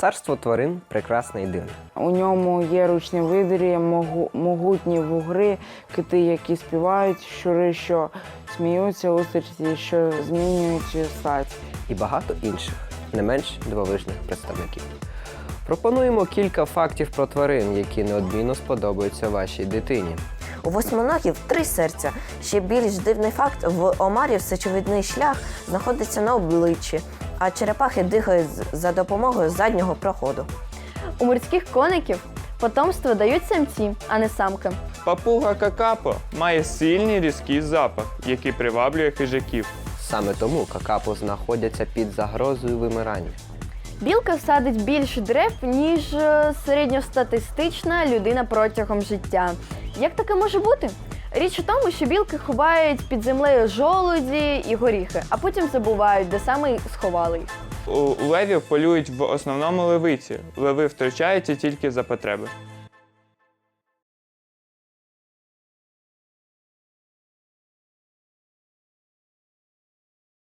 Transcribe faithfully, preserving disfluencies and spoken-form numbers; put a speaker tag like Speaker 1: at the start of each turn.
Speaker 1: Царство тварин прекрасне і дивне.
Speaker 2: У ньому є ручні видрі, могу- могутні вугри, кити, які співають, щури, що сміються, устриці, що змінюють стать.
Speaker 1: І багато інших, не менш дивовижних представників. Пропонуємо кілька фактів про тварин, які неодмінно сподобаються вашій дитині.
Speaker 3: У восьминогів три серця. Ще більш дивний факт – в омарів сечовидний шлях знаходиться на обличчі, а черепахи дихають за допомогою заднього проходу.
Speaker 4: У морських коників потомство дають самці, а не самки.
Speaker 5: Папуга какапо має сильний різкий запах, який приваблює хижаків.
Speaker 1: Саме тому какапо знаходяться під загрозою вимирання.
Speaker 4: Білка садить більше дерев, ніж е, середньостатистична людина протягом життя. Як таке може бути? Річ у тому, що білки ховають під землею жолуді і горіхи, а потім забувають, де саме сховали їх.
Speaker 5: У левів полюють в основному левиці. Леви втручаються тільки за потреби.